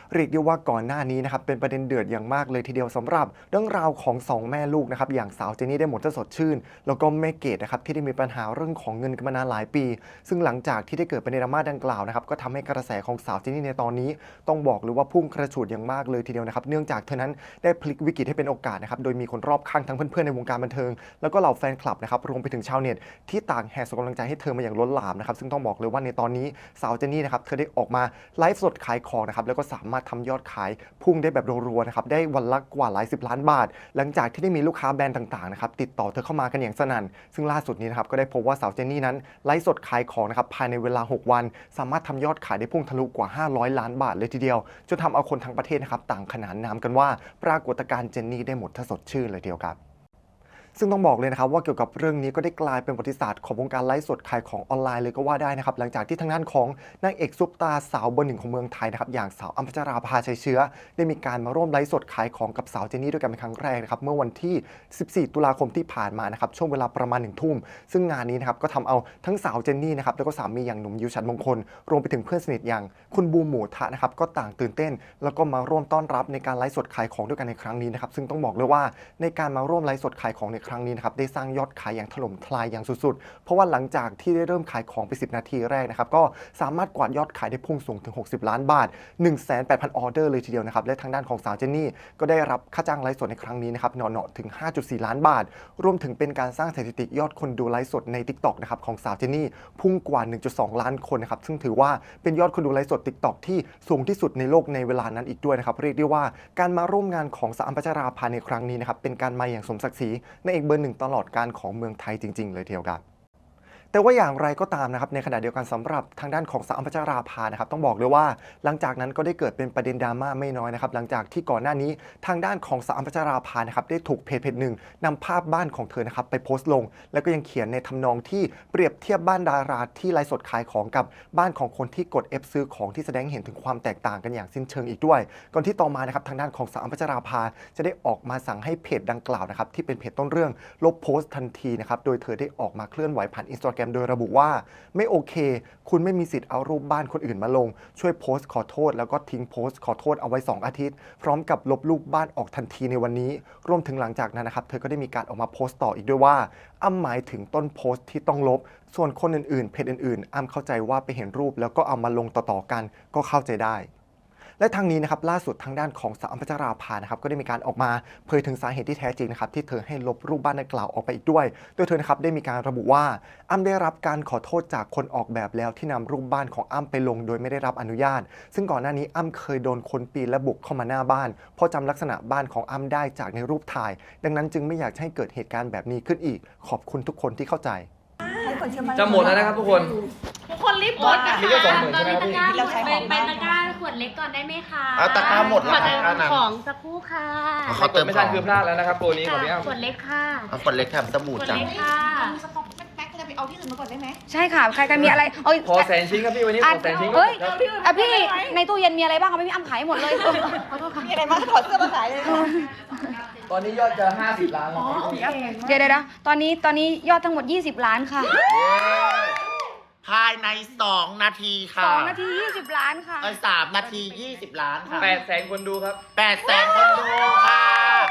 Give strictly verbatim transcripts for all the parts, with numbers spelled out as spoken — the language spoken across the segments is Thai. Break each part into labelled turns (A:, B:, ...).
A: เรียกได้ว่าก่อนหน้านี้นะครับเป็นประเด็นเดือดอย่างมากเลยทีเดียวสำหรับเรื่องราวของสองแม่ลูกนะครับอย่างสาวเจนนี่ได้หมดถ้าสดชื่นแล้วก็แม่เกดนะครับที่ได้มีปัญหาเรื่องของเงินกันมานานหลายปีซึ่งหลังจากที่ได้เกิดประเด็นดราม่าดังกล่าวนะครับก็ทำให้กระแสของสาวเจนนี่ในตอนนี้ต้องบอกเลยว่าพุ่งกระฉูดอย่างมากเลยทีเดียวนะครับเนื่องจากเธอนั้นได้พลิกวิกฤตให้เป็นโอกาสนะครับโดยมีคนรอบข้างทั้งเพื่อนๆในวงการบันเทิงแล้วก็เหล่าแฟนคลับนะครับรวมไปถึงชาวเน็ตที่ต่างแห่ส่งกำลังใจให้เธอมาอย่างล้นหลามนะครับซึ่งต้องบอกเลยว่าในตอนนี้สาวเจนนี่นะครับเธอได้ออกมาไลฟ์สดขายของนะครับแล้วก็สามารถทำยอดขายพุ่งได้แบบรัวๆนะครับได้วันละกว่าหลายสิบล้านบาทหลังจากที่ได้มีลูกค้าแบรนด์ต่างๆนะครับติดต่อเธอเข้ามากันอย่างสนั่นซึ่งล่าสุดนี้นะครับก็ได้พบว่าสาวเจนนี่นั้นไลฟ์สดขายของนะครับภายในเวลาหกวันสามารถทำยอดขายได้พุ่งทะลุกว่าห้าร้อยล้านบาทเลยทีเดียวจนทำเอาคนทั้งประเทศนะครับต่างขนานนามกันว่าปรากฏการณ์เจนนี่ได้หมดถ้าสดชื่นเลยเดียวครับซึ่งต้องบอกเลยนะครับว่าเกี่ยวกับเรื่องนี้ก็ได้กลายเป็นประวัติศาสตร์ของวงการไลฟ์สดขายของออนไลน์เลยก็ว่าได้นะครับหลังจากที่ทางด้านของนางเอกซุปตาสาวเบอร์หนึ่งของเมืองไทยนะครับอย่างสาวอัมพัชราภาชัยเชื้อได้มีการมาร่วมไลฟ์สดขายของกับสาวเจนนี่ด้วยกันเป็นครั้งแรกนะครับเมื่อวันที่สิบสี่ตุลาคมที่ผ่านมานะครับช่วงเวลาประมาณหนึ่งทุ่มซึ่งงานนี้นะครับก็ทำเอาทั้งสาวเจนนี่นะครับแล้วก็สามีอย่างหนุ่มยิวฉันมงคลรวมไปถึงเพื่อนสนิทอย่างคุณบูมหมูทะนะครับก็ต่างตื่นเต้นแล้วก็มาร่วมต้อนรับในการไลฟ์สดขายของด้วยกันในครั้งนี้นะครับซึ่งต้องบอกเลยว่าในการมาร่วมไลฟ์สดขายของในครั้งนี้นะครับได้สร้างยอดขายอย่างถล่มทลายอย่างสุดๆเพราะว่าหลังจากที่ได้เริ่มขายของไปสิบนาทีแรกนะครับก็สามารถกวาดยอดขายได้พุ่งสูงถึงหกสิบล้านบาท หนึ่งแสนแปดพัน ออเดอร์เลยทีเดียวนะครับและทางด้านของสาวเจนนี่ก็ได้รับค่าจ้างไลฟ์สดในครั้งนี้นะครับเหนาะๆถึง ห้าจุดสี่ ล้านบาทรวมถึงเป็นการสร้างสถิติยอดคนดูไลฟ์สดใน TikTok นะครับของสาวเจนนี่พุ่งกว่า หนึ่งจุดสอง ล้านคนนะครับซึ่งถือว่าเป็นยอดคนดูไลฟ์สด TikTok ที่สูงที่สุดในโลกในเวลานั้นอีกด้วยนะครับเรียกได้ว่าการมาร่วมงานของสาวอัมพัชราภาในครั้งนี้นะครับเป็นการมาอย่างสมศักดิ์ศรีในเอกเบอร์หนึ่งตลอดการของเมืองไทยจริงๆเลยทีเดียวครับแต่ว่าอย่างไรก็ตามนะครับในขณะเดียวกันสำหรับทางด้านของสาวอัมพัชราภานะครับต้องบอกเลยว่าหลังจากนั้นก็ได้เกิดเป็นประเด็นดราม่าไม่น้อยนะครับหลังจากที่ก่อนหน้านี้ทางด้านของสาวอัมพัชราภานะครับได้ถูกเพจเพจหนึ่งนำภาพบ้านของเธอนะครับไปโพสต์ลงแล้วก็ยังเขียนในทำนองที่เปรียบเทียบบ้านดาราที่ไลฟ์สดขายของกับบ้านของคนที่กด F ซื้อของที่แสดงเห็นถึงความแตกต่างกันอย่างสิ้นเชิงอีกด้วยก่อนที่ต่อมานะครับทางด้านของสาวอัมพัชราภาจะได้ออกมาสั่งให้เพจดังกล่าวนะครับที่เป็นเพจต้นเรื่องลบโพสต์ทันทีนะครับโดยเธอได้ออกมาเคลื่อนไหวผ่าน Instagram โดยระบุว่าไม่โอเคคุณไม่มีสิทธิ์เอารูปบ้านคนอื่นมาลงช่วยโพสต์ขอโทษแล้วก็ทิ้งโพสต์ขอโทษเอาไว้สองอาทิตย์พร้อมกับลบรูปบ้านออกทันทีในวันนี้รวมถึงหลังจากนั้นนะครับเธอก็ได้มีการออกมาโพสต์ต่ออีกด้วยว่าอ้ำหมายถึงต้นโพสต์ที่ต้องลบส่วนคนอื่นๆเพจอื่นๆอ้ำเข้าใจว่าไปเห็นรูปแล้วก็เอามาลงต่อๆกันก็เข้าใจได้และทางนี้นะครับล่าสุดทางด้านของสาวอัมพัชราภานะครับก็ได้มีการออกมาเผยถึงสาเหตุที่แท้จริงนะครับที่เธอให้ลบรูปบ้านดังกล่าวออกไปอีกด้วยโดยเธอนะครับได้มีการระบุว่าอ้ำได้รับการขอโทษจากคนออกแบบแล้วที่นำรูปบ้านของอ้ำไปลงโดยไม่ได้รับอนุญาตซึ่งก่อนหน้านี้อ้ำเคยโดนคนปีนและบุกเข้ามาหน้าบ้านเพราะจำลักษณะบ้านของอ้ำได้จากในรูปถ่ายดังนั้นจึงไม่อยากให้เกิดเหตุการณ์แบบนี้ขึ้นอีกขอบคุณทุกคนที่เข้าใจ
B: จะหมดแล้วนะครับทุกคน
C: ทุกคนรีบกดนะคะ
B: มีแค่สองหมื่นใช่ไหมครับพี่
C: เราใช้ของไปตะกร้าขวดเล็กก่อนได้ไหมคะ
D: เอาตะกร้าหมดแล้ว
C: ขอเติมของสักครู่ค่ะ
D: เขาเติม
B: ไม่
D: ข
B: ทั
D: อน ง
B: คือพลาดแล้วนะครับตัวนี้ของพี่อ้ำ
C: ขวดเล็กค่ะ
D: เอาคนเล็กแถมสบู่
C: ขวด
D: จัง
C: เล็กค่ะ
E: สต็อกแม็กจะไปเอาที่อื่นมาก่อนได้ไหม
F: ใช่ค่ะใครกันมีอะไรเอ้ย
B: พอแสนชิ้นครับพี่วันนี้พอแสนชิ้น
F: เฮ้ย
B: ครับ
F: อ่ะพี่ในตู้เย็นมีอะไรบ้างคะไม่พี่อ้ำขายให้หมดเลยเออขอโทษค่ะ
E: มีอะไรมาถอดเสื้อมาขายเลย
B: ตอนนี้ยอดจะห้าสิบล้านแล้วครับ
F: เดี๋ยวเดี๋ยวตอนนี้ตอนนี้ยอดทั้งหมดยี่สิบล้านค่ะ
D: ภายในสองนาทีค่ะ
F: สองนาทียี่สิบล้านค่ะ
D: เออสามนาทียี่สิบล้านค่ะ
B: แปดแสนคนดูครับ
D: แปดแสนคนดูค่ะ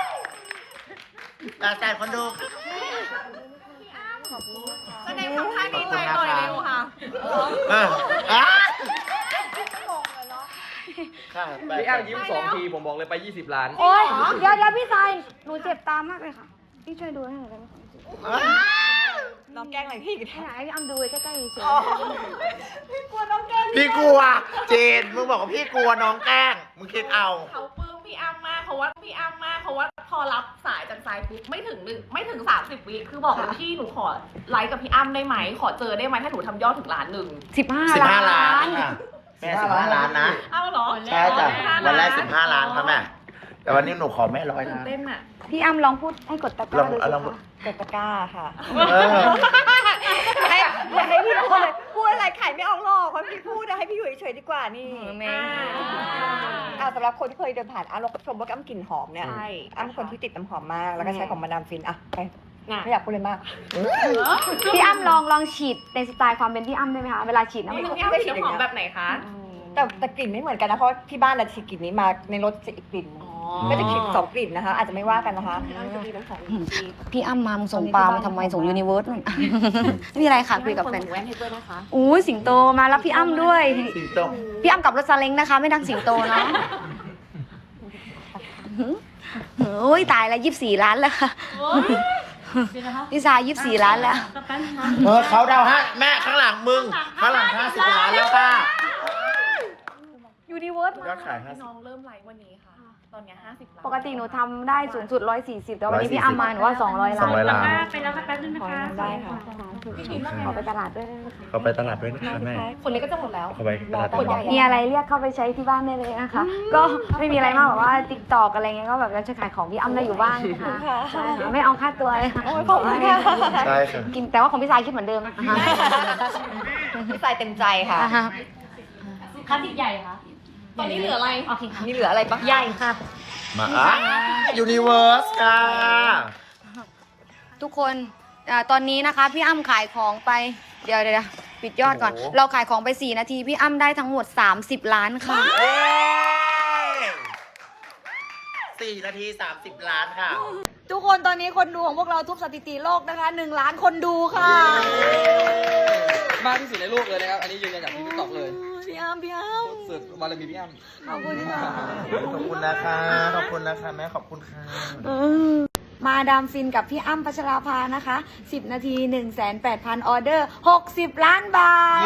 D: แปดแสนคนดู
E: แสดงความท่าดีใจหน่อยเร็วค่ะ
D: เอออ่ะค่ะ
B: พี่อ้ำยิ้มสองทีผมบอกเลยไปยี่สิบล้าน
F: โอ้ยเดี๋ยวเดี๋ยวพี่ชายหนูเจ็บตามากเลยค่ะพี่ช่วยดูให้หน่อยได้ไหมคะ
E: น้องแกล้งอะไรพี่
F: ให้หน่อยให้พี่อ้ำดูใกล้ๆเฉย
E: พี่กลัวน้องแกล้ง
D: พี่กลัวเจนมึงบอกว่าพี่กลัวน้องแกล้งมึงคิดเอา
C: เขาปลื้มพี่อ้ำมากเขาว่าพี่อ้ำมากเขาว่าพอรับสายจากสายปุ๊บไม่ถึงหนึ่งไม่ถึงสามสิบวิคือบอกเลยพี่หนูขอไลฟ์กับพี่อ้ำได้ไหมขอเจอได้ไหมถ้าหนูทำยอดถึงล้านหนึ่ง
F: สิบห้า
D: สิบห้าล้า
F: ล้าน น
D: ค่ะแม่สิบห้าล้านนะ
C: เอาเหรอ
D: ใช่จ้ะวันแรกสิบห้าล้านครับแม่แต่วันนี้หนูขอแม่ร้อย
C: ตื่น
D: ล้าน
C: เต้นอ่ะ
F: พี่อ้ำลองพูดให้กดตะก
D: ล
F: ร้า
D: อง
F: ดูสิ
D: ลอง
F: คะ
E: กดตะกร้าค่ะ
D: เออ
E: ให้อย่าให้พี่พูดเลยพูดอะไรขายไม่ออกหรอกเพราะพี่พูดนะให้พี่อยู่เฉยๆดีกว่านี่
F: แม่
E: อ่าสำหรับคนที่เคยเดินผ่านอ้ำเราชมว่าอ้ำกลิ่นหอมเนี่ย
C: ใช่
E: อ้ำเป็นคนที่ติดน้ำหอมมากแล้วก็ใช้ของมาดามฟินอ่ะไป
C: น่ะ
E: ไม่อยากพูดเลยมาก
F: พี่อ้ำลองลองฉีดในสไตล์ความเป็นพี่อ้ำได้ไหมคะเวลาฉีดน้ำ
C: นี่
F: ห
C: ห
F: อ
C: นู
F: ม
C: พี่อ้ำฉีดน้ำหอมแบบไหนคะ
F: อืม
E: แต่แต่กลิ่นไม่เหมือนกันนะเพราะที่บ้านเราฉีดกลิ่นนี้มาในรถจะอีกกลิ่นหนึ่งก็จะฉีดสองกลิ่นนะคะ อาจจะไม่ว่ากันนะคะ
F: พี่อ้ำมามึงส่งปลามาทำไมส่งยูนิเวิร์สนู่น ไม่มีอะไรค่ะคุยกับแฟน
E: แว่นให้ด้วยนะคะ
F: อู้ยสิงโตมารับพี่อ้ำด้วย
D: สิงโต
F: พี่อ้ำกับรถซาเล้งนะคะ ไม่นั่งสิงโตเนาะโอ้ยตายแล้วยี่สิบสี่ล้านแล้วค่ะพี่ซายยี่สิบสี่ล้านแล้ว
D: เออเขาเดาฮะแม่ข้างหลังมึง ข้างหลังห้าสิบล้านแล้วค่ะ
F: ยูนิเวิร์ส
D: ยอดขายห้าสิบ
C: น้องเริ่มไลฟ์วันนี้ค่ะ ตอนเนี้ห้าสิบล้าน
F: ปกติหนูทำได้สูงสุดร้อยสี่สิบแต่วันนี้พี่อ้ำมาหนูว่าสองร้อยล้าน
D: สองร้อยล้าน
F: ไปแล้วค่ะแป๊บนึงนะคะได้ค่ะขอไปตลาดด้วยนะคะ
D: เขาไปตลาดด้วยนะคะแม่
C: คนนี้ก็จะหมดแล้ว
D: เขาไปตลาด
C: คนใหญ่
F: มีอะไรเรียกเข้าไปใช้ที่บ้านได้เลยนะคะ ก็ไม่มีอะไรมากแบบว่าติ๊กตอกอะไรเงี้ยก็แบบจะขายของพี่อ้ำได้อยู่บ้างค่ะใช่ค่ะไม่เอาค่าตัวเลยค่ะ
E: ขอบคุณค่ะ
D: ใช่ค่ะ
F: กินแต่ว่าของพี่สายคิดเหมือนเดิมนะคะ
E: พี่สายเต็มใจค่ะ
C: คันติดใหญ่ค่ะ ตอนนี้เหลืออะไร
F: โอเคค่ะ
E: มีเหลืออะไรบ้าง
F: ใหญ่ค่ะ
D: มาอ่ะยูนิเวิร์สค่ะ
F: ทุกคนอ่าตอนนี้นะคะพี่อ้ำขายของไปเดี๋ยวเดี๋ยวปิดยอดก่อน เราขายของไปสี่นาทีพี่อ้ำได้ทั้งหมดสามสิบล้านค่ะ
D: เย้สี่นาทีสามสิบล้านค่ะ
F: ทุกคนตอนนี้คนดูของพวกเราทุบสถิติโลกนะคะหนึ่งล้านคนดูค่ะ
B: มากที่สุดในโลกเลยนะครับ อันนี้ยืนยันจากที่ติ๊กต็อกเลย
F: พี่อ้ำพี่อ้ำ
B: สุดบารมีพี่อ้ำ
F: ขอบคุณค่ะ
D: ขอบคุณนะคะ ขอบคุณนะคะแม่ขอบคุณค่ะ
F: มาดามฟินกับพี่อ้ำพัชราภานะคะสิบนาที หนึ่งแสนแปดพัน ออเดอร์ หกสิบ ล้านบาท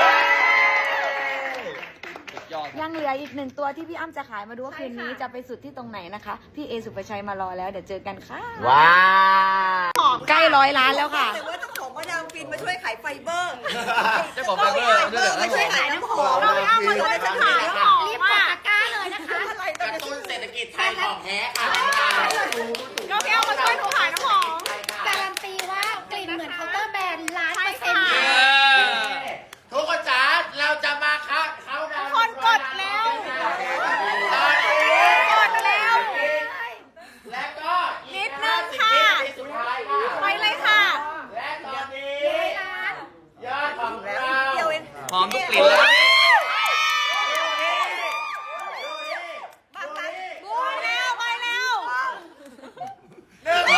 B: สุดยอด
F: ยังเหลืออีกหนึ่งตัวที่พี่อ้ำจะขายมาดูว่าคืนนี้จะไปสุดที่ตรงไหนนะคะ พี่เอสุภชัยมารอแล้วเดี๋ยวเจอกันค่ะ
D: ว้าว
F: ใกล้ร้อยล้านแล้วค่ะ
E: แต่ว่าเจ้าของมาดามฟินมาช่วยขายไฟเบอร์
B: เจ้าของไฟเบอร์ด้วยเหรอ
E: มาช่วยขายน้ำหอม
D: เราไม่เอามาช่วยฉันขายน้ำหอม
F: รีบกดตะกร้าเลยนะคะ
E: อะไร
D: กระตุ้นเศรษฐกิจไทยของแท้ค่ะ
C: ก็พี่เอามาช่วยหนูขายน้ำหอม
F: การันตีว่ากลิ่นเหมือนเคาน์เตอร์แบรนด์ล้านเปอร์เซ็นต์
D: ทุกคนจ๋าเราจะมาคะเขาดาวน์
C: คนกดแล้ว
D: ตอนนี้
C: กดแล้ว
D: และก็อี
C: นิ
D: ก
C: ดนึงค่ะ
D: ห้าสิบวินาทีสุดท้ายค่ะ
C: ไปเลยค่ะ
D: และตอนนี้ยอดของเรา
B: หอมทุกกลิ่นเลย
C: บูมแล้วไปแล้ว
D: หนึ่ง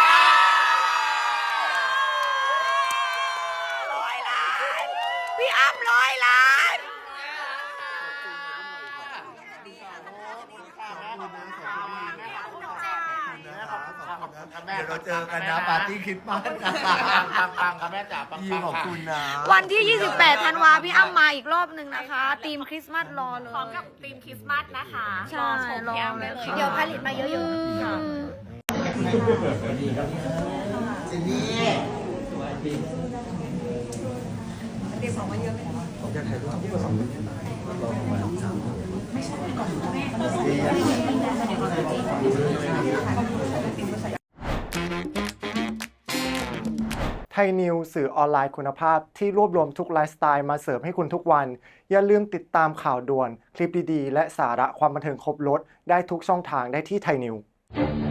D: ร้อยล้าน
E: พี่อ้ำร้อยล้าน
D: เดี๋ยวเราเจอกันนะปาร์ตี้คริสต์มาสปังปังๆค่ะแม่จ๋าปังๆขอบคุณนะ
F: วันที่ ยี่สิบแปด ธันวาพี่อ้ำมาอีกรอบหนึ่งนะคะทีมคริสต์มาสรอเลย
C: พร้อมกับธีมคริสต์มาสนะคะ
F: ใช่
C: รอชมพี่อ้ำได้เลย
F: เดี๋ยวผลิตมาเยอะๆ
D: จินนี่
A: ไทยนิวสื่อออนไลน์คุณภาพที่รวบรวมทุกไลฟ์สไตล์มาเสิร์ฟให้คุณทุกวัน อย่าลืมติดตามข่าวด่วน คลิปดีๆ และสาระความบันเทิงครบรสได้ทุกช่องทางได้ที่ไทยนิว